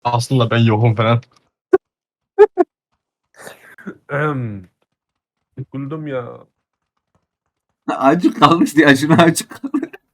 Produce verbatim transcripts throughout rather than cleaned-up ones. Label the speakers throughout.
Speaker 1: Aslında ben yokum falan.
Speaker 2: Ehem. Sıkıldım ya.
Speaker 3: Acık kalmış diye şuna acık.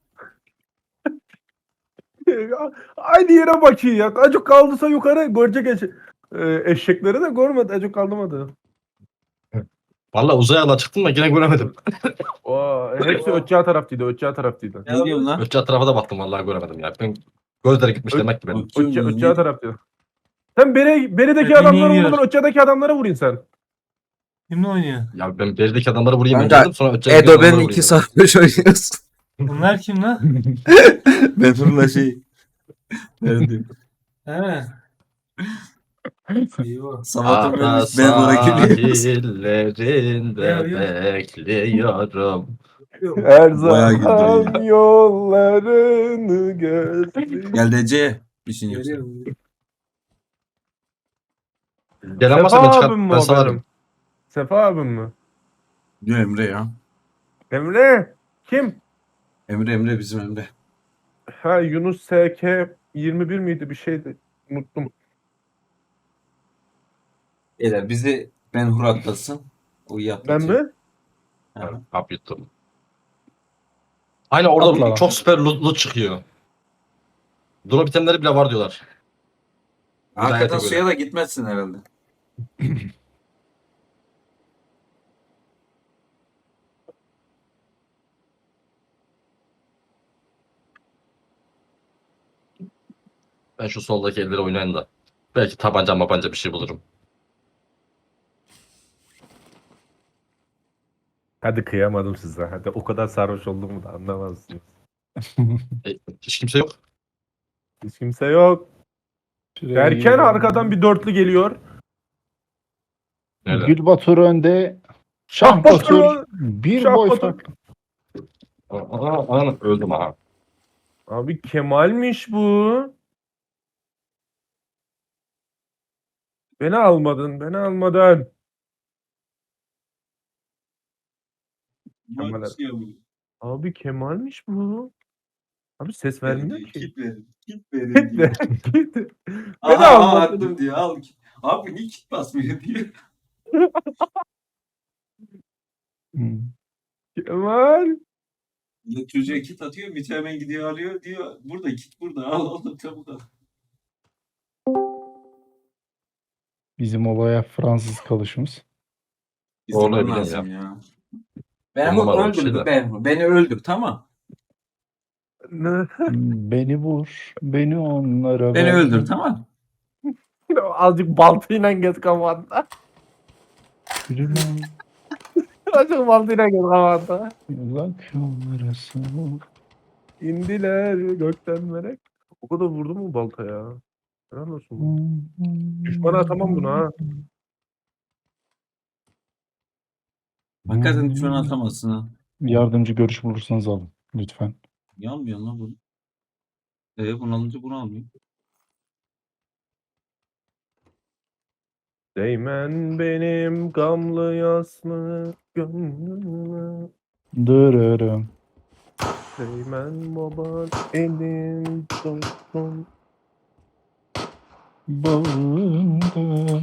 Speaker 2: Aynı yere bakıyor ya. Acık kaldıysa yukarı görecek eş e, eşekleri de görmedi. Acık kaldırmadı.
Speaker 1: Valla uzaya ala çıktım da yine göremedim.
Speaker 2: Oo, hepsi ötçağ taraftaydı. Ötçağ taraftaydı.
Speaker 3: Ne diyorsun lan?
Speaker 1: Ötçe tarafa da baktım vallahi göremedim ya. Ben gözleri gitmiş
Speaker 2: Ö-
Speaker 1: demek ki benim.
Speaker 2: Ötçağ,
Speaker 3: Bakıyorum
Speaker 2: ötçağ
Speaker 3: ne?
Speaker 2: taraftaydı. Sen beri, berideki
Speaker 4: Beni
Speaker 2: adamları
Speaker 4: yiyor.
Speaker 2: vurdun. Ötçağdaki adamlara vurayım sen.
Speaker 4: Kimle oynuyor?
Speaker 1: Ya ben berideki adamları vurayım
Speaker 3: Kanka,
Speaker 1: önce dedim sonra ötçedeki
Speaker 3: Edo
Speaker 1: adamları
Speaker 3: ben
Speaker 1: vurayım
Speaker 3: iki
Speaker 1: dedim.
Speaker 3: sarhoş oynuyorsun.
Speaker 4: Bunlar kim lan?
Speaker 3: Memurla şey. Nerede?
Speaker 4: He. Eyvah.
Speaker 3: Samat'ın
Speaker 1: Ada
Speaker 3: ölmüş ben ona gülüyoruz.
Speaker 1: sahillerinde
Speaker 4: Ya, ya.
Speaker 1: bekliyorum.
Speaker 2: Her
Speaker 3: Bayağı güldü
Speaker 2: zaman yollarını gözlüyorum.
Speaker 3: Gel D C. Bir şey yoksa.
Speaker 4: Geliyorum.
Speaker 1: Gelen varsa
Speaker 2: Sefa
Speaker 1: ben çıkar,
Speaker 2: abim mi
Speaker 1: ben
Speaker 2: o
Speaker 1: salarım.
Speaker 2: benim? Sefa abim mi?
Speaker 3: Diyor Emre ya.
Speaker 2: Emre. Kim?
Speaker 3: Emre Emre bizim Emre.
Speaker 2: Ha Yunus S K yirmi bir miydi bir şeydi. Unuttum.
Speaker 3: Beyler bizi Ben Hur atlasın. O iyi
Speaker 2: Ben
Speaker 3: atlatıyor.
Speaker 2: mi?
Speaker 3: Ha.
Speaker 1: Hap yuttum. Aynen orada
Speaker 2: Atla lan.
Speaker 1: çok süper loot, loot çıkıyor. Drop itemleri bile var diyorlar.
Speaker 3: Hakikaten
Speaker 1: Hidayete
Speaker 3: suya
Speaker 1: göre.
Speaker 3: da gitmezsin herhalde.
Speaker 1: Ben şu soldaki elleri oynayayım da. Belki tabanca mabanca bir şey bulurum.
Speaker 2: Hadi kıyamadım size. Hadi o kadar sarhoş olduğumu da anlamazsınız.
Speaker 1: E, hiç kimse yok.
Speaker 2: Hiç kimse yok. Derken arkadan bir dörtlü geliyor.
Speaker 1: Nerede?
Speaker 5: Gül Batur önde.
Speaker 2: Şah
Speaker 5: Şah
Speaker 2: Batur.
Speaker 5: Batur. Bir
Speaker 2: Şah
Speaker 5: boy
Speaker 2: Batur.
Speaker 5: fark.
Speaker 1: Aa, aa, öldüm ha.
Speaker 2: Abi Kemal'miş bu. Beni almadın. Beni almadın. Kemal abi. Abi Kemal'miş bu. Abi ses vermiyor ki.
Speaker 3: Kit verin. Kit verin
Speaker 2: Git
Speaker 3: diyor.
Speaker 2: de, git de.
Speaker 3: Aha,
Speaker 2: Beni
Speaker 3: aha,
Speaker 2: almadın.
Speaker 3: attım diyor. Al. Abi niye kit basmıyor diyor.
Speaker 5: Hmm.
Speaker 2: Kemal.
Speaker 3: Ya çocuğa kit atıyor. Mite hemen gidiyor alıyor diyor. Burada kit burada. Al al çabuk al.
Speaker 5: Bizim olaya Fransız kalışımız.
Speaker 3: İzlemen
Speaker 1: Vallahi bilmiyorum
Speaker 3: lazım ya.
Speaker 1: On
Speaker 3: Ben
Speaker 1: numaralı bir
Speaker 3: öldür.
Speaker 1: şey de.
Speaker 3: Ben, beni öldür tamam.
Speaker 2: Ne?
Speaker 5: Beni vur. Beni onlara
Speaker 3: Beni
Speaker 5: ver.
Speaker 3: öldür tamam.
Speaker 2: Azıcık baltayla gez kafanda.
Speaker 5: Yürüme.
Speaker 2: Azıcık baltayla gez kafanda.
Speaker 5: Uzak yollara sığ.
Speaker 2: İndiler gökten melek. O kadar vurdu mu balta ya? Helal olsun. bu. Düşmana atamam bunu ha.
Speaker 3: Hakikaten şu an atamazsın ha.
Speaker 5: Yardımcı görüş bulursanız alın. Lütfen.
Speaker 3: Yanmıyor lan bunu. Ee, bunu alınca bunu almıyor.
Speaker 2: Değmen benim gamlı yaslı gönlüme.
Speaker 5: Dırırım.
Speaker 2: Değmen baban elim dostum.
Speaker 5: Bağında.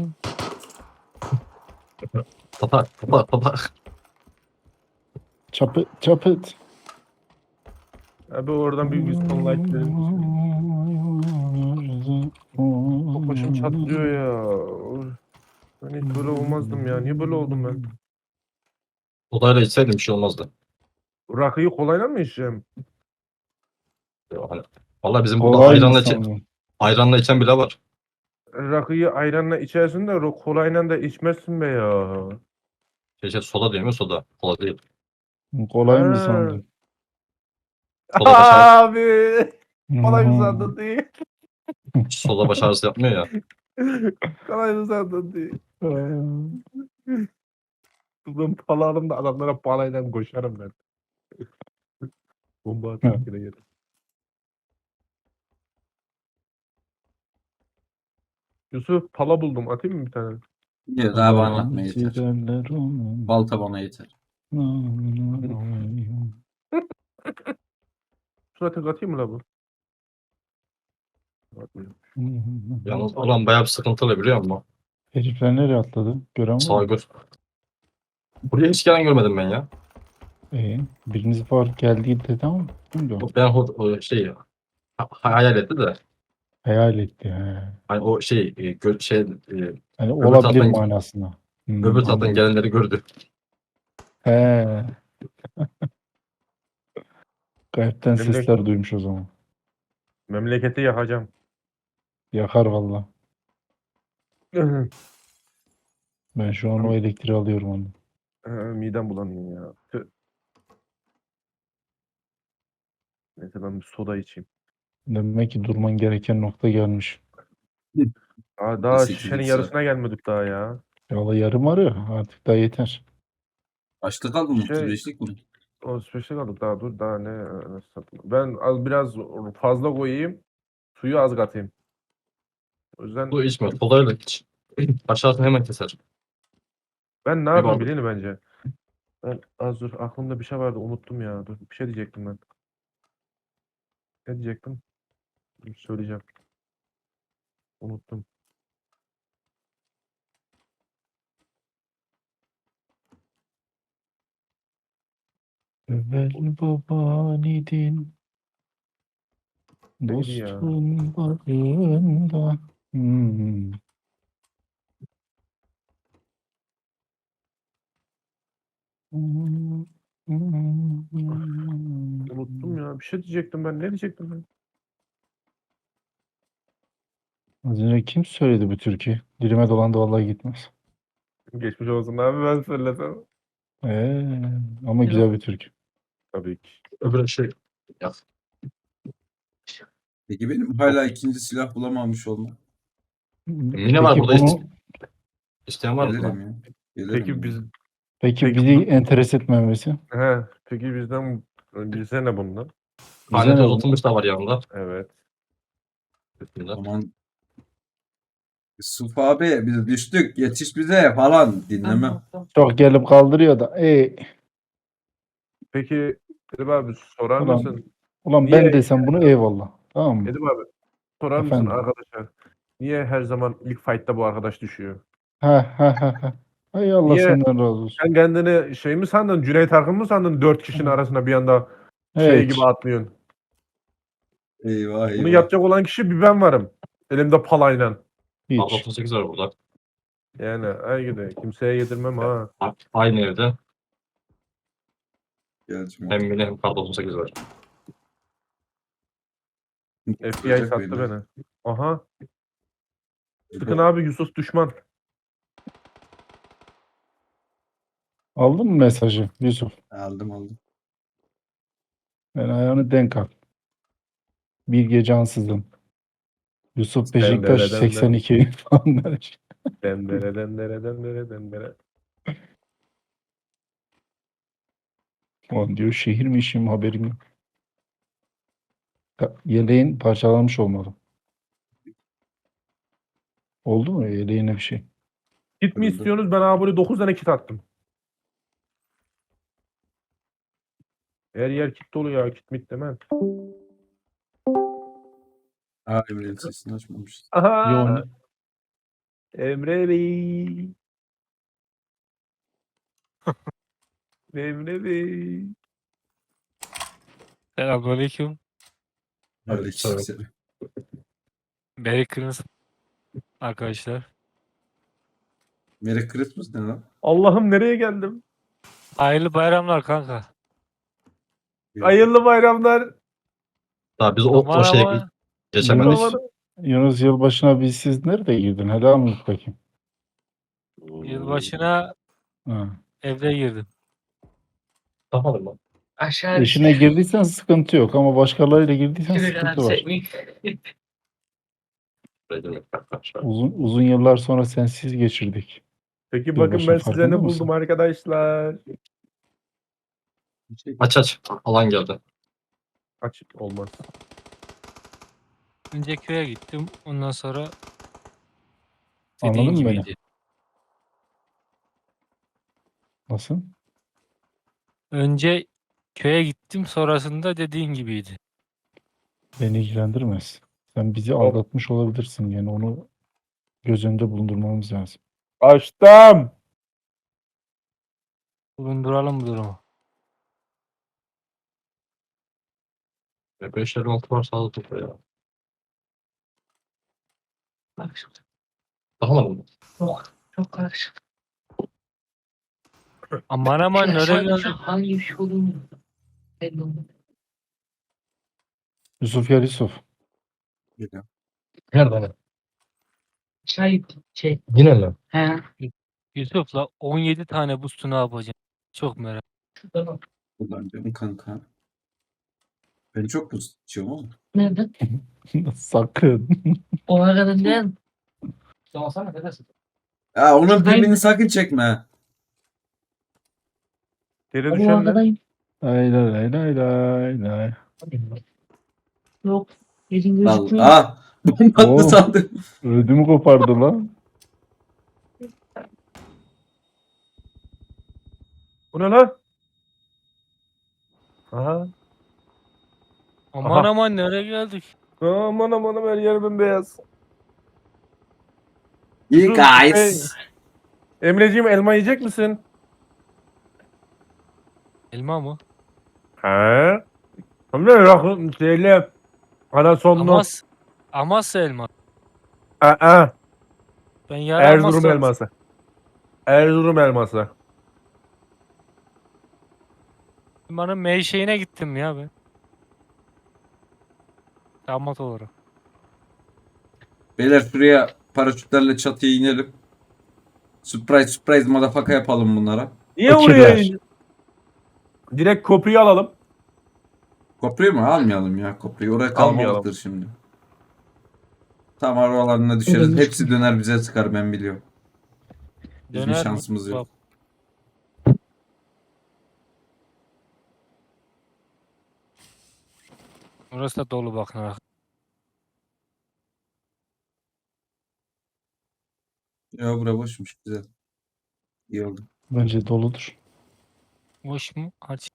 Speaker 1: Tapa, tapa, tapa.
Speaker 5: Çapıt çapıt.
Speaker 2: Abi oradan bir Wisdom Light verir misin? Çok başım çatlıyor ya. Ben hiç böyle olmazdım ya. Niye böyle oldum ben?
Speaker 1: Odayla içseydim bir şey olmazdı.
Speaker 2: Rakıyı kolayla mı içeceğim?
Speaker 1: Ya Hani, vallahi bizim burada
Speaker 5: Kolay
Speaker 1: ayranla,
Speaker 5: mı
Speaker 1: içen,
Speaker 5: sandın?
Speaker 1: ayranla içen bile var.
Speaker 2: Rakıyı ayranla içersin de ro- kolayla da içmezsin be ya.
Speaker 1: Şey, şey, soda diyor mu soda? Kola değil.
Speaker 5: Kolay mı
Speaker 2: Ha.
Speaker 5: sandın?
Speaker 1: Soda baş ağrısı,
Speaker 2: Abi. Kolay mı sandın değil.
Speaker 1: soda baş ağrısı yapmıyor ya.
Speaker 2: Kolay mı sandın değil. Ben palarım da adamlara palayla koşarım ben. Bomba atıp yine yerim. Yusuf pala buldum. Atayım mı bir tane?
Speaker 3: Diyor daha bana anlatma yeter.
Speaker 5: Giderler onun.
Speaker 3: Balta bana yeter.
Speaker 2: Şuna tek atayım mı la bu?
Speaker 1: Yalnız olan bayağı bir sıkıntılı biliyor musun?
Speaker 5: Herifler nereye atladı? Gören var mı?
Speaker 1: Saygır. Buraya hiç gelen görmedim ben ya.
Speaker 5: Ee, biriniz var geldi dedi ama kimdi o?
Speaker 1: Ben o, o şey ha- hayal etti de
Speaker 5: Hayal etti. He.
Speaker 1: hani o şey e, gö- şey e,
Speaker 5: Hani
Speaker 1: öbür
Speaker 5: olabilir
Speaker 1: taraftan
Speaker 5: manasında. Hmm,
Speaker 1: öbür taraftan
Speaker 5: anladım.
Speaker 1: gelenleri gördü.
Speaker 5: He. Gayetten
Speaker 2: Memlek-
Speaker 5: sesler duymuş o zaman.
Speaker 2: Memleketi yakacağım.
Speaker 5: Yakar valla. Ben şu an o elektriği alıyorum onu.
Speaker 2: Ee, Midem bulanıyor ya. Tüh. Neyse ben bir soda içeyim.
Speaker 5: Demek ki durman gereken nokta gelmiş.
Speaker 2: Daha, daha
Speaker 3: sekiz
Speaker 2: şişenin
Speaker 3: iki
Speaker 2: yarısına gelmedik daha ya.
Speaker 5: Valla yarım arıyor. Artık daha yeter.
Speaker 3: Kaçta kaldın?
Speaker 2: Şey-
Speaker 3: otuz beşlik mi?
Speaker 2: O special aldık daha dur daha ne, ne satayım. Ben az biraz fazla koyayım. Suyu az katayım. O yüzden
Speaker 1: Bu içme. Kolayla iç. Aşağısını hemen keser.
Speaker 2: ben ne
Speaker 1: Bir
Speaker 2: yapayım
Speaker 1: bardak.
Speaker 2: bilin bence. Ben az dur aklımda bir şey vardı unuttum ya. Dur bir şey diyecektim ben. Ne diyecektim? Dur, söyleyeceğim. Unuttum.
Speaker 5: Evvel baban idin.
Speaker 2: Neydi ya?
Speaker 5: Dostun bağrında. Hmm.
Speaker 2: Unuttum ya. Bir şey diyecektim ben. Ne diyecektim ben?
Speaker 5: Az önce kim söyledi bu türkü? Dilime dolandı vallahi gitmez.
Speaker 2: Geçmiş olsun abi ben söylesem.
Speaker 5: Ee, ama güzel bir türkü.
Speaker 2: Tabii ki.
Speaker 1: Öbür şey ya,
Speaker 3: Peki benim hala ikinci silah bulamamış olmam.
Speaker 1: Mine var
Speaker 5: Peki
Speaker 1: burada.
Speaker 5: bunu,
Speaker 1: İsteyen var mı?
Speaker 3: Gelirim ya. Gelirim
Speaker 2: Peki
Speaker 3: ya.
Speaker 2: biz
Speaker 5: peki
Speaker 2: Peki
Speaker 5: bizi
Speaker 2: bu-
Speaker 5: enteres etmemesi.
Speaker 2: he peki bizden bize ne bundan?
Speaker 5: Bize
Speaker 1: Tanesi
Speaker 5: ne bu?
Speaker 1: uzatılmış da var yanında.
Speaker 2: Evet.
Speaker 1: Üstünde.
Speaker 3: Aman Yusuf abi biz düştük yetiş bize falan dinlemem.
Speaker 5: Çok gelip kaldırıyor da. Ey,
Speaker 2: Peki Edip abi sorar
Speaker 5: ulan,
Speaker 2: mısın?
Speaker 5: ulan
Speaker 2: Niye-
Speaker 5: ben desem bunu eyvallah. Tamam mı?
Speaker 2: Edip abi sorar mısın
Speaker 5: Efendim?
Speaker 2: arkadaşlar? Niye her zaman ilk fight'ta bu arkadaş düşüyor?
Speaker 5: Ha ha ha ha. Hay Allah
Speaker 2: Niye?
Speaker 5: senden razı olsun.
Speaker 2: Sen kendini şey mi sandın? Cüneyt Arkın mı sandın? Dört kişinin
Speaker 5: Hı.
Speaker 2: arasında bir anda şey
Speaker 5: Hiç.
Speaker 2: gibi atlıyorsun.
Speaker 3: Eyvah eyvah.
Speaker 2: Bunu yapacak olan kişi bir ben varım. Elimde palayla.
Speaker 5: Hiç.
Speaker 1: altı sekiz var burada.
Speaker 2: Yani ay gidi. Kimseye yedirmem ha.
Speaker 1: A- Aynı evde.
Speaker 3: Geleceğim
Speaker 1: Hem
Speaker 3: abi.
Speaker 1: Mine hem kar doksan sekiz var.
Speaker 2: F B I
Speaker 3: Tutacak
Speaker 2: sattı
Speaker 3: beni.
Speaker 2: beni. Aha.
Speaker 3: E,
Speaker 2: Sıkın
Speaker 3: bu-
Speaker 2: abi Yusuf düşman.
Speaker 5: Aldın mı mesajı Yusuf?
Speaker 3: Aldım aldım.
Speaker 5: Ben ayağını denk al. Bir gece ansızın. Yusuf Beşiktaş
Speaker 2: Dendere, dendere.
Speaker 5: seksen iki falan der.
Speaker 2: Dendere dendere dendere dendere.
Speaker 5: Ulan diyor şehir mi işim haberim yok. Ya, Yeleğin parçalanmış olmalı. Oldu mu yeleğine bir şey?
Speaker 2: Kit mi
Speaker 3: Kırıldı.
Speaker 2: istiyorsunuz? Ben abi dokuz tane kit attım. Her yer kit dolu ya. Kit mit demem.
Speaker 3: Aa Emre'nin sesini açmamışız.
Speaker 2: Aha.
Speaker 5: Yo, ne-
Speaker 2: Emre Bey. Emre Bey.
Speaker 4: Selamünaleyküm.
Speaker 3: Aleykümselam.
Speaker 4: Merry Christmas arkadaşlar.
Speaker 3: Merry Christmas ne lan?
Speaker 2: Allah'ım nereye geldim?
Speaker 4: Hayırlı bayramlar kanka.
Speaker 2: Hayırlı bayramlar.
Speaker 1: Daha biz o,
Speaker 4: Aman
Speaker 1: o şeye
Speaker 4: aman.
Speaker 1: geçemedik.
Speaker 5: Yunus, Yunus yılbaşına biz siz nerede girdin? Helal mi bakayım?
Speaker 4: Yılbaşına
Speaker 5: Ha.
Speaker 4: evde girdim.
Speaker 1: Tamam mı?
Speaker 6: Aşağı
Speaker 5: Eşine girdiysen sıkıntı yok ama başkalarıyla girdiysen sıkıntı var. Uzun uzun yıllar sonra sensiz geçirdik.
Speaker 2: Peki bakın
Speaker 5: Yılbaşı
Speaker 2: ben size
Speaker 5: farkında
Speaker 2: ne
Speaker 5: mısın?
Speaker 2: buldum arkadaşlar.
Speaker 1: Aç aç. Alan geldi.
Speaker 2: Aç olmaz.
Speaker 4: Önce köye gittim. Ondan sonra
Speaker 5: Anladın
Speaker 4: dediğin
Speaker 5: mı beni?
Speaker 4: gibiydi.
Speaker 5: Nasıl?
Speaker 4: Önce köye gittim. Sonrasında dediğin gibiydi.
Speaker 5: Beni ilgilendirmez. Sen bizi
Speaker 2: Hop.
Speaker 5: aldatmış olabilirsin. Yani onu göz önünde bulundurmamız lazım.
Speaker 2: Açtım.
Speaker 4: bulunduralım bu durumu.
Speaker 1: beş elli altı var sağda topla ya. Bak şimdi. Bakamadım mı?
Speaker 6: Çok, çok karışık.
Speaker 4: Aman aman
Speaker 6: Şu
Speaker 4: nereye
Speaker 6: aşağı-
Speaker 4: geldik?
Speaker 6: şu hangi bir şey olduğunu belli olmadı.
Speaker 5: Yusuf gel Yusuf.
Speaker 3: Geliyor.
Speaker 1: Nerede?
Speaker 6: Aşağı şey.
Speaker 1: Yine mi?
Speaker 6: He.
Speaker 4: Yusuf'la on yedi tane boost'u ne yapacağım? Çok merak.
Speaker 6: Şurada bak.
Speaker 3: Ulan canım kanka. Ben çok buz içiyorum ama.
Speaker 6: Nerede?
Speaker 5: Sakın.
Speaker 6: O arada ne? Sorsana neredesin?
Speaker 3: Ya onun
Speaker 6: Şuradayım.
Speaker 3: pimini sakın çekme.
Speaker 2: Geri
Speaker 6: O
Speaker 2: düşen ne?
Speaker 6: aradayım.
Speaker 5: Lay lay lay lay lay lay.
Speaker 6: Yok. Yerin
Speaker 3: Vallahi.
Speaker 6: gözükmüyor.
Speaker 3: Aa, bomba attı
Speaker 5: Oo.
Speaker 3: sandım.
Speaker 5: Ödümü kopardı lan.
Speaker 2: Bu ne lan? Aha.
Speaker 4: Aman
Speaker 2: Aha.
Speaker 4: aman nereye geldik?
Speaker 2: Aman aman aman her yer bembeyaz.
Speaker 3: İyi
Speaker 2: Dur,
Speaker 3: guys.
Speaker 2: Emreciğim elma yiyecek misin?
Speaker 4: Elma mı?
Speaker 2: He. Hem de rakı şeyle anasonlu.
Speaker 4: Amas Amasya elma.
Speaker 2: Aa,
Speaker 4: Ben yarın
Speaker 2: Erzurum
Speaker 4: Amasya-
Speaker 2: elması. Erzurum elması.
Speaker 4: Elmanın meyşeğine gittim ya ben. Damat olarak.
Speaker 3: Beyler şuraya paraşütlerle çatıya inelim. Surprise surprise motherfucker yapalım bunlara.
Speaker 2: Niye
Speaker 5: Fakirler.
Speaker 2: oraya? Direkt kopuyu alalım.
Speaker 3: Kopruyu mu? Almayalım ya kopruyu. Oraya
Speaker 2: Almayalım.
Speaker 3: kalmalıktır şimdi. Tam aralarına düşeriz. Hepsi döner bize sıkar ben biliyorum. Bizim
Speaker 4: Döner mi?
Speaker 3: şansımız yok.
Speaker 4: Bak, orası da dolu bakın. ha.
Speaker 3: Ya bura boşmuş güzel. İyi oldu.
Speaker 5: Bence doludur.
Speaker 4: Boş mu? Aç.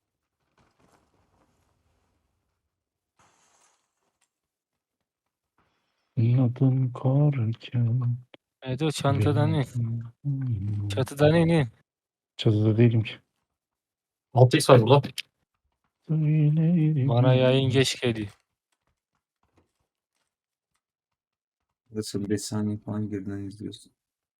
Speaker 5: Adın korken.
Speaker 4: Evet o çantadan in.
Speaker 5: benim-
Speaker 4: Çatıdan in in.
Speaker 5: Çatıda değilim ki.
Speaker 1: altı x var burada.
Speaker 5: Söylerim.
Speaker 4: Bana yayın geç geliyor.
Speaker 3: Nasıl beş saniye falan geriden izliyorsun.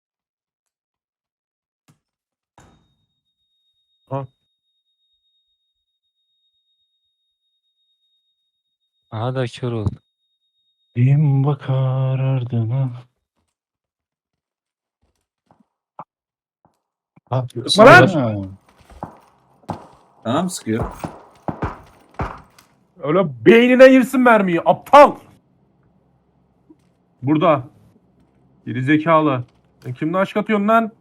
Speaker 4: Aha da kör oldu.
Speaker 5: Kim bakar ardına?
Speaker 1: Ha,
Speaker 2: Bana-
Speaker 5: Ha,
Speaker 3: Tamam sıkıyor.
Speaker 2: Öyle beynine girsin mermiyi aptal. Burada. Geri zekalı. Sen kimle aşk atıyorsun lan?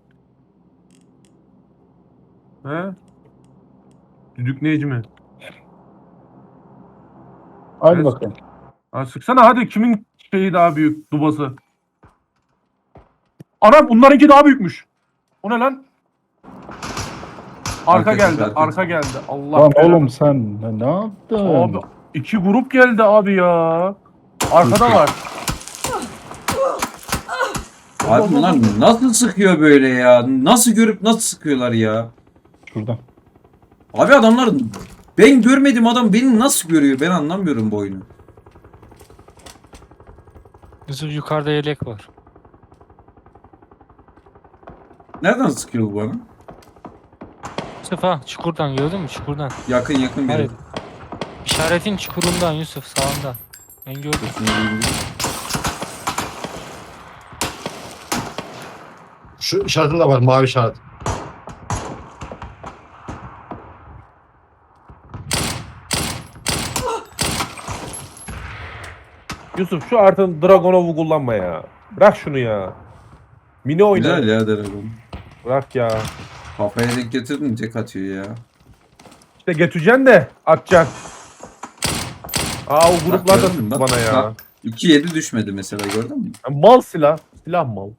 Speaker 2: He? Düdük Necmi.
Speaker 5: hadi
Speaker 2: Evet.
Speaker 5: bakalım.
Speaker 2: Ha, sıksana hadi kimin şeyi daha büyük dubası. Anam bunlarınki daha büyükmüş. O ne lan? Arka,
Speaker 3: Arka
Speaker 2: geldi,
Speaker 3: çıktı, arka
Speaker 2: arka
Speaker 3: çıktı.
Speaker 2: geldi. Allah
Speaker 5: Lan
Speaker 2: belanı-
Speaker 5: oğlum sen ne- ne yaptın?
Speaker 2: Abi iki grup geldi abi ya. Arkada var.
Speaker 3: Abi bunlar nasıl sıkıyor böyle ya? Nasıl görüp nasıl sıkıyorlar ya?
Speaker 5: Şurada.
Speaker 3: Abi adamlar ben görmedim adam beni nasıl görüyor? Ben anlamıyorum bu oyunu.
Speaker 4: Yusuf yukarıda yelek var.
Speaker 3: Nereden sıkıyor bu bana?
Speaker 4: Yusuf ha çukurdan gördün mü çukurdan.
Speaker 3: Yakın yakın biri.
Speaker 4: Hayır. İşaretin çukurundan Yusuf sağında. Ben gördüm.
Speaker 3: Şunu diyeyim.
Speaker 1: Şu işaretin de var mavi işaret.
Speaker 2: Yusuf şu artık Dragonov'u kullanma ya. Bırak şunu ya. Mini oyna.
Speaker 3: Güzel ya Dragon.
Speaker 2: Bırak ya.
Speaker 3: Kafaya denk getirdin tek atıyor ya.
Speaker 2: İşte götüreceksin de atacaksın. Aa o gruplar da
Speaker 3: gördün mü?
Speaker 2: sıktı
Speaker 3: Bak,
Speaker 2: bana ya.
Speaker 3: bak. iki yedi düşmedi mesela gördün mü?
Speaker 2: Ya mal silah. Silah mal.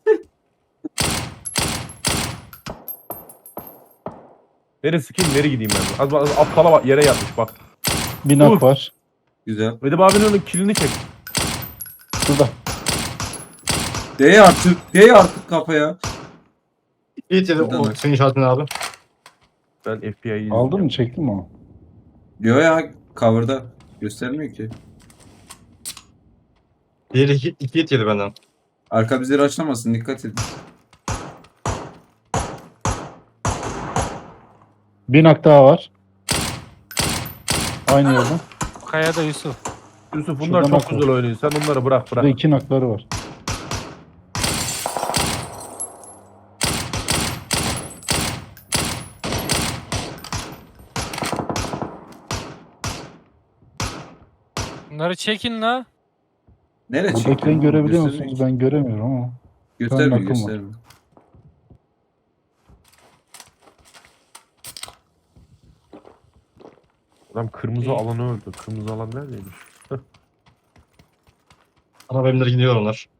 Speaker 2: Nereye sıkayım nereye gideyim ben? Az, az aptala bak yere yatmış bak.
Speaker 5: Bir nak
Speaker 2: Uf.
Speaker 5: var.
Speaker 3: Güzel.
Speaker 2: Vedip abinin kilini çek.
Speaker 5: şurada.
Speaker 3: Değ artık. Değ artık kafaya.
Speaker 1: İyi yedi
Speaker 3: Buradan
Speaker 1: o
Speaker 3: bak.
Speaker 1: senin işaretin abi.
Speaker 2: Ben F B I'yi izliyorum.
Speaker 5: Aldın mı çektin mi onu?
Speaker 3: Diyor ya cover'da. Göstermiyor ki.
Speaker 1: Diğeri iki, iki hit yedi benden.
Speaker 3: Arka bizleri açlamasın. Dikkat edin.
Speaker 5: Bir nak daha var. Aynı yerden.
Speaker 4: Kayada Yusuf.
Speaker 2: Yusuf bunlar
Speaker 5: Şuradan
Speaker 2: çok
Speaker 5: bak.
Speaker 2: güzel oynuyor. Sen onları bırak
Speaker 5: Burada
Speaker 2: bırak.
Speaker 5: iki nakları var.
Speaker 4: Bunları çekin la.
Speaker 3: Nereye
Speaker 5: Buradakileri
Speaker 3: çekiyorsun?
Speaker 5: görebiliyor
Speaker 3: Göstermiyor
Speaker 5: musunuz?
Speaker 3: ki.
Speaker 5: Ben göremiyorum ama.
Speaker 3: Göstermiyor
Speaker 5: nakım var.
Speaker 3: göstermiyor.
Speaker 2: Adam kırmızı
Speaker 4: İyi.
Speaker 2: alanı öldü. Kırmızı alan neredeymiş?
Speaker 1: Araba evimleri gidiyor onlar.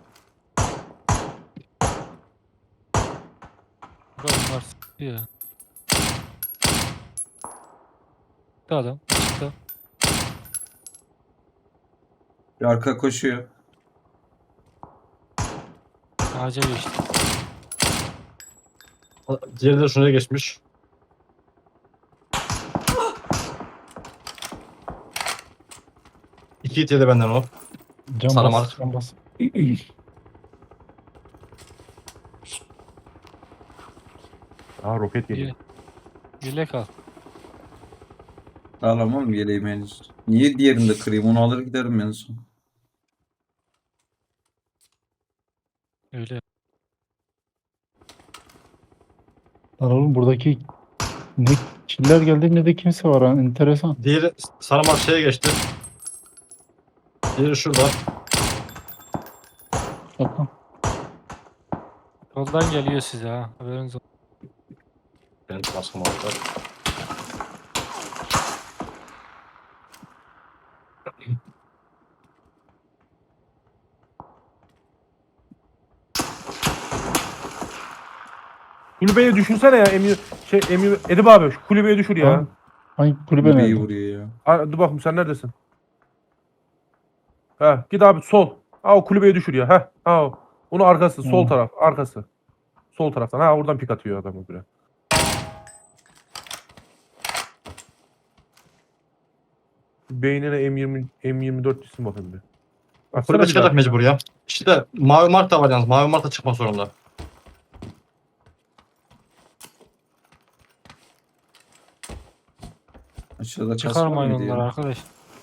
Speaker 4: Burada bunlar s**tı ya. Çıktı adam. Çıktı.
Speaker 3: Bir arka koşuyor.
Speaker 4: Ağaca geçti.
Speaker 1: Diğeri de şuraya geçmiş. İki hit yedi benden o.
Speaker 5: Can
Speaker 1: Sarı
Speaker 5: bas,
Speaker 1: mark.
Speaker 5: can bas.
Speaker 2: Aa roket geliyor.
Speaker 4: İyi. Yelek al.
Speaker 3: Alamam yeleğim henüz. Niye diğerini de kırayım? Onu alır giderim en son.
Speaker 4: Öyle.
Speaker 5: Lan oğlum buradaki ne killer geldi ne de kimse var ha. Enteresan.
Speaker 1: Diğeri sarı mark şeye geçti. Diğeri şurada.
Speaker 5: Bakın.
Speaker 4: Yoldan geliyor size ha. Haberiniz olsun.
Speaker 1: Benim baskım aldı.
Speaker 2: Kulübeye düşünsene ya Emir şey Emir Edip abi şu kulübeye düşür ya.
Speaker 5: Tamam. Hangi kulübe
Speaker 3: Kulübeyi
Speaker 5: nerede?
Speaker 3: vuruyor ya.
Speaker 2: Ha, dur bakayım sen neredesin? Ha git abi sol. Ha o kulübeye düşür ya. Ha ha o. Onun arkası sol
Speaker 5: Hı.
Speaker 2: taraf arkası. Sol taraftan. Ha oradan pik atıyor adam öbürü. Beynine M yirmi M yirmi dört isim bakayım bir. Bak,
Speaker 1: Kulübe
Speaker 2: bir
Speaker 1: çıkacak
Speaker 2: daha.
Speaker 1: mecbur ya. İşte mavi mark da var yalnız. Mavi mark da çıkmak zorunda.
Speaker 3: Aşağıda kas var
Speaker 4: Çıkarmayın
Speaker 3: mıydı
Speaker 4: onları
Speaker 3: ya?
Speaker 4: arkadaş.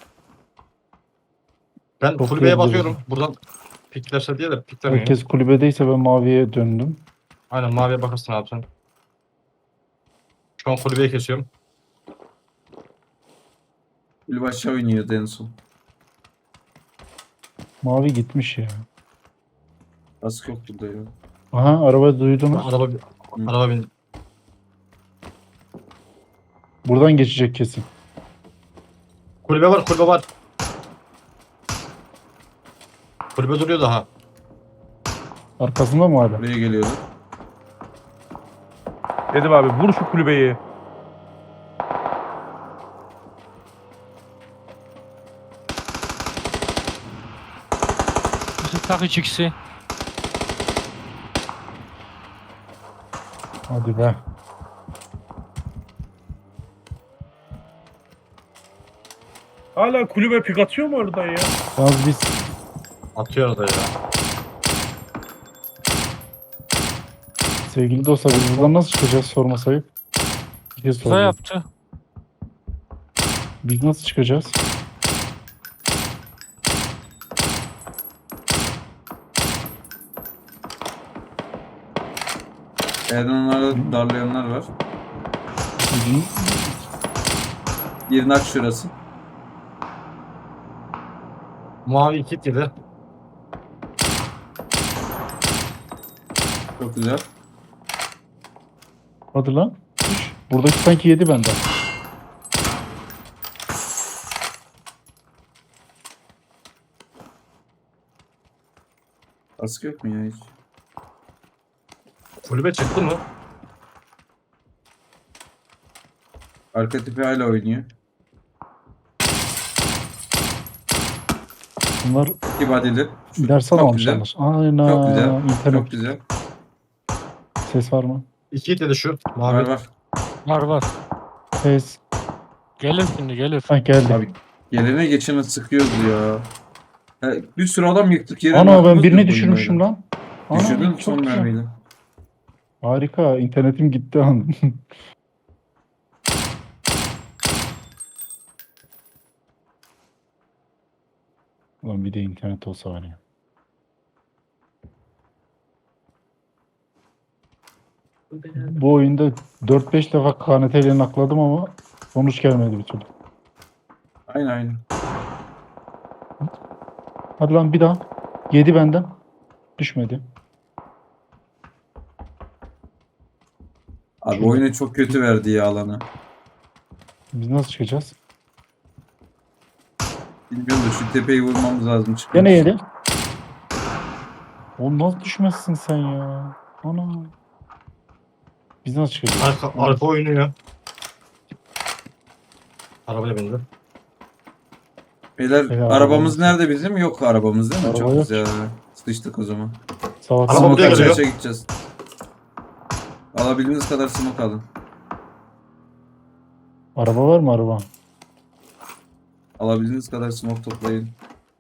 Speaker 1: Ben
Speaker 5: Çok
Speaker 1: kulübeye
Speaker 5: iyi
Speaker 1: bakıyorum.
Speaker 5: oldu.
Speaker 1: Buradan piklerse diye de piklemiyor.
Speaker 5: Herkes kulübedeyse ben maviye döndüm.
Speaker 1: Aynen maviye bakarsın abi sen. Şu an kulübeyi kesiyorum.
Speaker 3: Kulübe aşağı oynuyordu en son.
Speaker 5: Mavi gitmiş ya.
Speaker 3: Kask yok burada ya.
Speaker 5: Aha araba duydunuz.
Speaker 1: Araba, araba bin.
Speaker 5: Buradan geçecek kesin.
Speaker 1: Kulübe var, kulübe var. Kulübe duruyor daha.
Speaker 5: Arkasında mı hala?
Speaker 3: Buraya geliyordu.
Speaker 2: Edip abi vur şu kulübeyi.
Speaker 4: Yusuf tak üç ikisi.
Speaker 5: Hadi be.
Speaker 2: Hala kulübe pik atıyor mu oradan ya?
Speaker 5: Yalnız biz
Speaker 1: Atıyor da ya.
Speaker 5: sevgili dostlar biz buradan nasıl çıkacağız sorma sayıp. Bir kez
Speaker 4: Uza
Speaker 5: soracağım.
Speaker 4: yaptı.
Speaker 5: Biz nasıl çıkacağız?
Speaker 3: Yerden onlara darlayanlar var.
Speaker 5: Bizim
Speaker 3: Bir nak şurası.
Speaker 1: Mavi iki hit yedi.
Speaker 3: Çok güzel.
Speaker 5: Hadi lan. Düş. Buradaki sanki yedi benden.
Speaker 3: Kask yok mu ya hiç?
Speaker 1: Kulübe çıktı mı?
Speaker 3: Arka tipi hala oynuyor.
Speaker 5: Bunlar
Speaker 3: İki badili. Şu-
Speaker 5: ders
Speaker 3: çok
Speaker 5: alamamışlar.
Speaker 3: güzel.
Speaker 5: Aynen.
Speaker 3: Çok güzel.
Speaker 5: İnternet.
Speaker 3: Çok güzel.
Speaker 5: Ses var mı?
Speaker 1: İki hit dedi şu. Mavi.
Speaker 3: Var var.
Speaker 4: Var var.
Speaker 5: Ses.
Speaker 4: Gelir şimdi gelir.
Speaker 5: Ha geldi.
Speaker 3: Abi gelene geçene sıkıyoruz ya. Ha, bir sürü adam yıktık yere.
Speaker 5: Ana ben
Speaker 3: bakmaz
Speaker 5: birini
Speaker 3: mı bu
Speaker 5: düşürmüşüm
Speaker 3: oyunlara?
Speaker 5: lan. Ana,
Speaker 3: Düşürdün
Speaker 5: çok
Speaker 3: son
Speaker 5: güzel.
Speaker 3: mermiyle.
Speaker 5: Harika. İnternetim gitti an. Ulan bir de internet olsa var ya. Bu oyunda dört beş defa K N T ile nakladım ama sonuç gelmedi bir türlü.
Speaker 3: Aynen aynen.
Speaker 5: Hadi lan bir daha. Yedi benden. Düşmedi.
Speaker 3: Abi
Speaker 5: Şurada.
Speaker 3: oyunu çok kötü verdi ya alanı.
Speaker 5: Biz nasıl çıkacağız?
Speaker 3: Bilmiyorum da şu tepeyi vurmamız lazım çıkmak
Speaker 5: Gene
Speaker 3: için.
Speaker 5: yedi. Oğlum nasıl düşmezsin sen ya? Ana. Biz nasıl çıkacağız?
Speaker 1: Arka, arka oynuyor. Arabaya bindi.
Speaker 3: Beyler
Speaker 5: Beyler,
Speaker 3: arabamız
Speaker 5: arabamız-
Speaker 3: nerede bizim? Yok arabamız değil mi?
Speaker 5: Araba
Speaker 3: Çok
Speaker 5: yok.
Speaker 3: güzel. Sıçtık o zaman.
Speaker 5: Salak
Speaker 1: Araba
Speaker 5: salak.
Speaker 1: buraya
Speaker 3: Smoke
Speaker 1: geliyor.
Speaker 3: açığa gideceğiz. Alabildiğiniz kadar smoke alın.
Speaker 5: Araba var mı araba?
Speaker 3: Alabildiğiniz kadar smoke toplayın.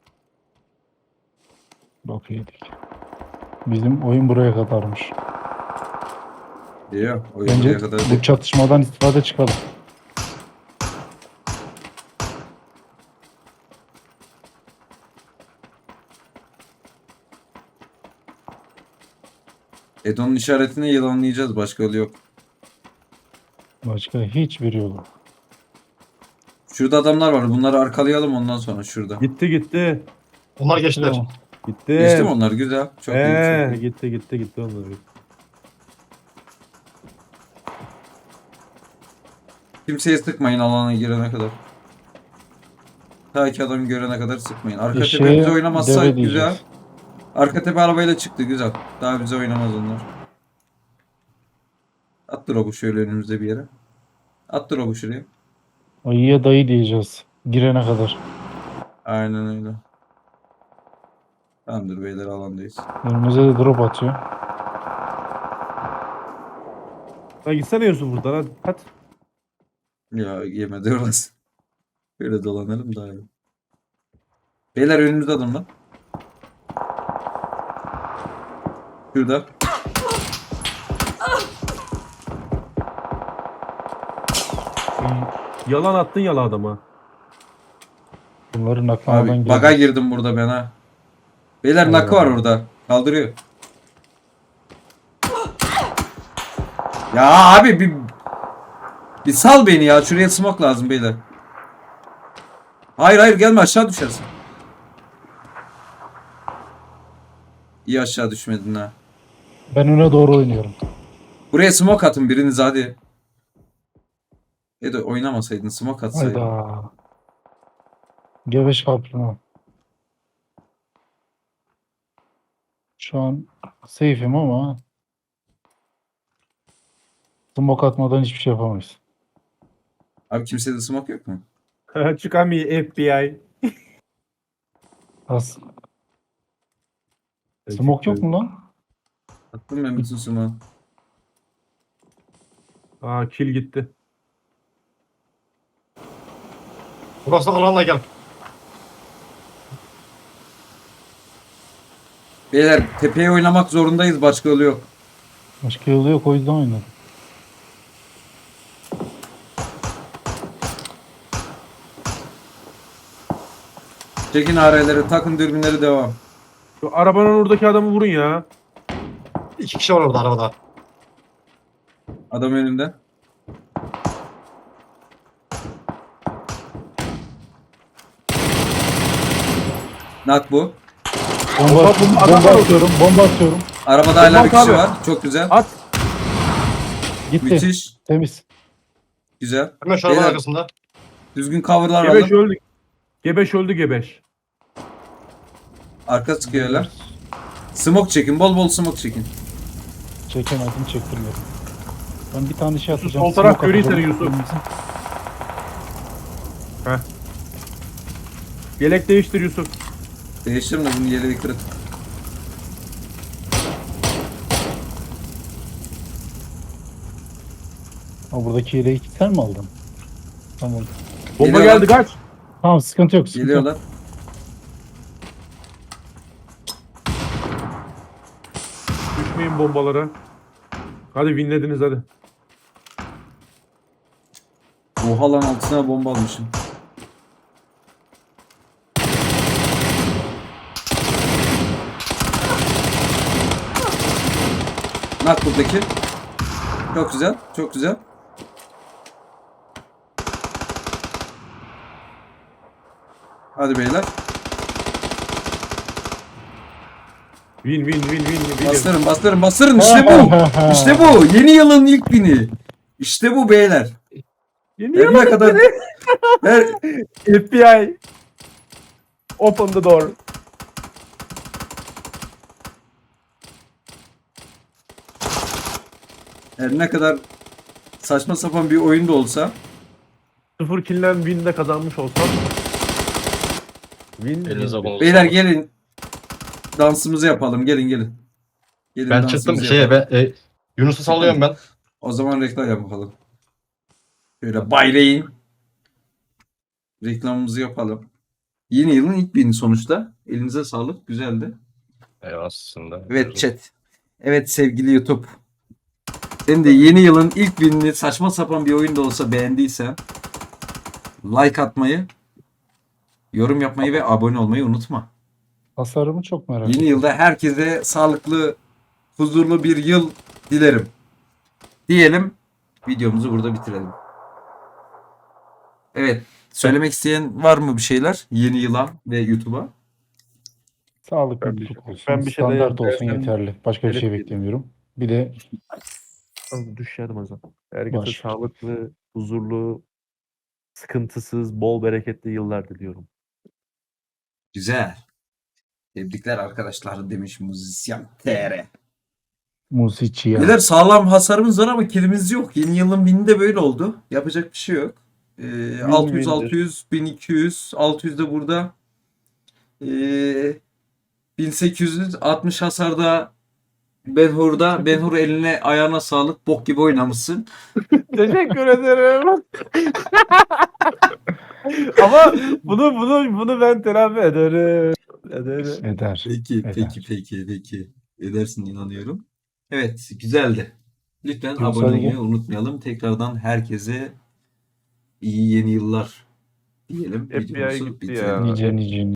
Speaker 5: Bak yedik. Bizim oyun buraya kadarmış.
Speaker 3: Diyor. Oyun
Speaker 5: Bence
Speaker 3: buraya kadar
Speaker 5: bu
Speaker 3: değil.
Speaker 5: çatışmadan istifade çıkalım.
Speaker 3: Edon'un işaretini yılanlayacağız. Başka yolu yok.
Speaker 5: Başka hiçbir yolu. yok.
Speaker 3: Şurada adamlar var. Bunları arkalayalım ondan sonra şurada.
Speaker 2: Gitti gitti.
Speaker 1: Onlar geçtiler.
Speaker 5: Tamam.
Speaker 2: Gitti.
Speaker 3: Geçti mi onlar? Güzel. Çok iyi.
Speaker 2: Ee,
Speaker 3: Çok iyi.
Speaker 2: gitti gitti gitti onlar.
Speaker 3: Kimseye sıkmayın alana girene kadar. Ta ki adam görene kadar sıkmayın. Arka
Speaker 5: Eşeğe
Speaker 3: tepe bize
Speaker 5: deve
Speaker 3: oynamazsa
Speaker 5: diyeceğiz.
Speaker 3: güzel. Arka tepe arabayla çıktı güzel. Daha bize oynamaz onlar. At drop'u şöyle önümüzde bir yere. At drop'u şuraya.
Speaker 5: Ayıya dayı diyeceğiz. Girene kadar.
Speaker 3: Aynen öyle. Tamamdır beyler alandayız.
Speaker 5: Önümüze de drop atıyor.
Speaker 2: Lan gitsene Yusuf buradan hadi. Hadi.
Speaker 3: Ya yemedi orası. Böyle dolanalım daha iyi. Beyler önümüzde adam lan. Şurada.
Speaker 2: Yalan attın yalan adama.
Speaker 5: Bunları naklamadan
Speaker 3: Abi
Speaker 5: gireceğiz.
Speaker 3: baga girdim burada ben ha. Beyler
Speaker 5: Allah
Speaker 3: nakı var
Speaker 5: Allah.
Speaker 3: orada. Kaldırıyor. Ya abi bir bir sal beni ya. Şuraya smoke lazım beyler. Hayır hayır gelme aşağı düşersin. İyi aşağı düşmedin ha.
Speaker 5: Ben öne doğru oynuyorum.
Speaker 3: Buraya smoke atın biriniz hadi. Ya da oynamasaydın smoke atsaydın.
Speaker 5: Hayda. Geveş kapına. Şu an safe'im ama smoke atmadan hiçbir şey yapamayız.
Speaker 3: Abi kimsede smoke yok mu?
Speaker 2: Çıkamıyor F B I.
Speaker 5: Az. Smoke yok mu lan?
Speaker 3: Attım ben bütün smoke.
Speaker 2: Aa kill gitti.
Speaker 1: Burası alanla gel.
Speaker 3: Beyler tepeye oynamak zorundayız başka yolu yok.
Speaker 5: Başka yolu yok o yüzden oynadım.
Speaker 3: Çekin areleri takın dürbünleri devam.
Speaker 2: Şu arabanın oradaki adamı vurun ya.
Speaker 1: İki kişi var orada arabada.
Speaker 3: Adam önünde. Nak bu.
Speaker 5: Bomba,
Speaker 2: Bomba- bomba- adam
Speaker 5: bomba
Speaker 2: var
Speaker 5: atıyorum, bomba atıyorum.
Speaker 3: Arabada hala bir
Speaker 2: Bak
Speaker 3: kişi
Speaker 2: abi.
Speaker 3: var. Çok güzel.
Speaker 2: At.
Speaker 5: Gitti.
Speaker 3: Müthiş.
Speaker 5: Temiz.
Speaker 3: Güzel.
Speaker 1: Hemen şu arabanın
Speaker 3: Beyler.
Speaker 1: arkasında.
Speaker 3: Düzgün coverlar
Speaker 2: Gebeş
Speaker 3: alın.
Speaker 2: öldü. Gebeş öldü gebeş.
Speaker 3: Arka sıkıyorlar. Smoke çekin. Bol bol smoke çekin.
Speaker 5: Çekemedim, çektirmedim. Ben bir tane şey
Speaker 2: Yusuf,
Speaker 5: atacağım.
Speaker 2: sol taraf
Speaker 5: smoke
Speaker 2: görüyor
Speaker 5: atacağım.
Speaker 2: seni Yusuf. Yelek değiştir Yusuf.
Speaker 3: Değiştirim de bunun yeleği kırık.
Speaker 5: Ha, buradaki yeleği sen mi aldın? Tamam.
Speaker 2: Bomba
Speaker 3: Geliyorlar.
Speaker 2: geldi kaç.
Speaker 5: Tamam sıkıntı yok. Sıkıntı yok.
Speaker 3: Geliyorlar.
Speaker 2: Düşmeyin bombalara. Hadi winlediniz hadi.
Speaker 3: Oha lan altına bomba almışım. Nak buradaki. Çok güzel. Çok güzel. Hadi beyler.
Speaker 2: Win win win win. win.
Speaker 3: Bastırın bastırın bastırın. İşte bu. İşte bu. Yeni yılın ilk bini. İşte bu beyler.
Speaker 2: Yeni
Speaker 3: Her
Speaker 2: yıl
Speaker 3: ne kadar her,
Speaker 2: F B I. Open the door.
Speaker 3: her ne kadar saçma sapan bir oyun da olsa
Speaker 2: Sıfır killen win'de kazanmış olsam. Win.
Speaker 1: Elinize
Speaker 2: win.
Speaker 1: bulunsun.
Speaker 3: beyler gelin dansımızı yapalım. Gelin gelin. Gelin
Speaker 1: Ben
Speaker 3: dansımızı
Speaker 1: çıktım şeye
Speaker 3: yapalım.
Speaker 1: be, e, Yunus'u sallıyorum ben.
Speaker 3: O zaman reklam yapalım. Şöyle baylayın. Reklamımızı yapalım. Yeni yılın ilk bini sonuçta. Elinize sağlık. Güzeldi.
Speaker 1: Eyvallah aslında.
Speaker 3: Evet chat. Evet sevgili YouTube. Sen de yeni yılın ilk binini saçma sapan bir oyun da olsa beğendiysen like atmayı, yorum yapmayı ve abone olmayı unutma.
Speaker 5: Tasarımı çok merak
Speaker 3: Yeni
Speaker 5: ettim.
Speaker 3: yılda herkese sağlıklı, huzurlu bir yıl dilerim. Diyelim videomuzu burada bitirelim. Evet. Söylemek isteyen var mı bir şeyler? Yeni yıla ve YouTube'a.
Speaker 5: Sağlıklı
Speaker 2: Ben bir
Speaker 5: mutluluk
Speaker 2: şey-
Speaker 5: olsun.
Speaker 2: ben bir şey de-
Speaker 5: Standart olsun
Speaker 2: ben-
Speaker 5: yeterli. Başka bir şey
Speaker 2: Evet.
Speaker 5: beklemiyorum. Bir de
Speaker 2: Düşerim o zaman. Herkese
Speaker 5: Baş.
Speaker 2: sağlıklı, huzurlu, sıkıntısız, bol bereketli yıllar diliyorum.
Speaker 3: Güzel. Tebrikler arkadaşlar demiş müzisyen T R.
Speaker 5: Musiçiya.
Speaker 3: Beyler sağlam hasarımız var ama kilimiz yok. Yeni yılın bini de böyle oldu. Yapacak bir şey yok. Ee, altı yüz, altı yüz, bin iki yüz, altı yüz de burada. Ee, bin sekiz yüz altmış hasarda Benhur'da. Benhur eline ayağına sağlık. Bok gibi oynamışsın.
Speaker 2: Teşekkür ederim. Ama bunu bunu bunu ben telafi ederim. Ederim.
Speaker 5: Eder.
Speaker 3: Peki,
Speaker 5: Eder.
Speaker 3: peki, peki, peki. Edersin inanıyorum. Evet, güzeldi. Lütfen
Speaker 5: Yunus,
Speaker 3: abone
Speaker 5: hadi
Speaker 3: olmayı
Speaker 5: gel.
Speaker 3: unutmayalım. Tekrardan herkese iyi yeni yıllar diyelim.
Speaker 2: F B I
Speaker 3: Videomuzu
Speaker 2: gitti
Speaker 3: bitirelim.
Speaker 2: ya.
Speaker 5: Nice nice